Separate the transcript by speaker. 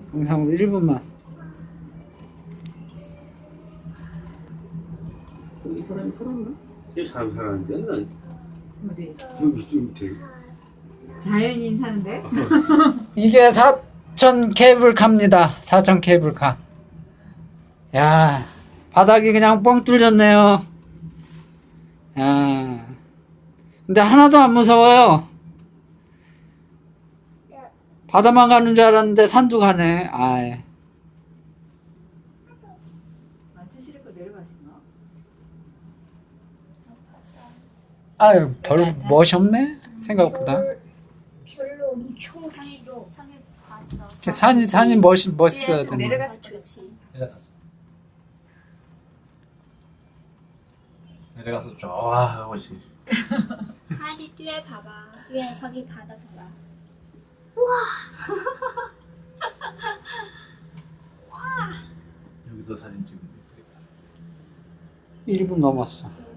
Speaker 1: 영상으로 1분만.
Speaker 2: 이 사람이 살았나? 이 사람이 살았는데 나
Speaker 3: 뭐지?
Speaker 2: 여기 좀 되게
Speaker 3: 자연인 사는데?
Speaker 1: 이게 4천 케이블카입니다. 4천 케이블카. 야, 바닥이 그냥 뻥 뚫렸네요. 야, 근데 하나도 안 무서워요. 바다만 가는 줄 알았는데 산도 가네. 아이.
Speaker 3: 만트시리코 내려가신가?
Speaker 1: 아유, 별 멋이 없네. 생각보다.
Speaker 4: 별로 엄청 상해도 상해 봤어.
Speaker 1: 산이 멋있어야 되는.
Speaker 3: 내려가서
Speaker 4: 좋지.
Speaker 5: 내려가서 좋아하고 지
Speaker 4: 하리 뒤에 봐봐. 뒤에 저기 바다 봐봐.
Speaker 5: 여기서 사진 찍으면
Speaker 1: 1분 넘었어.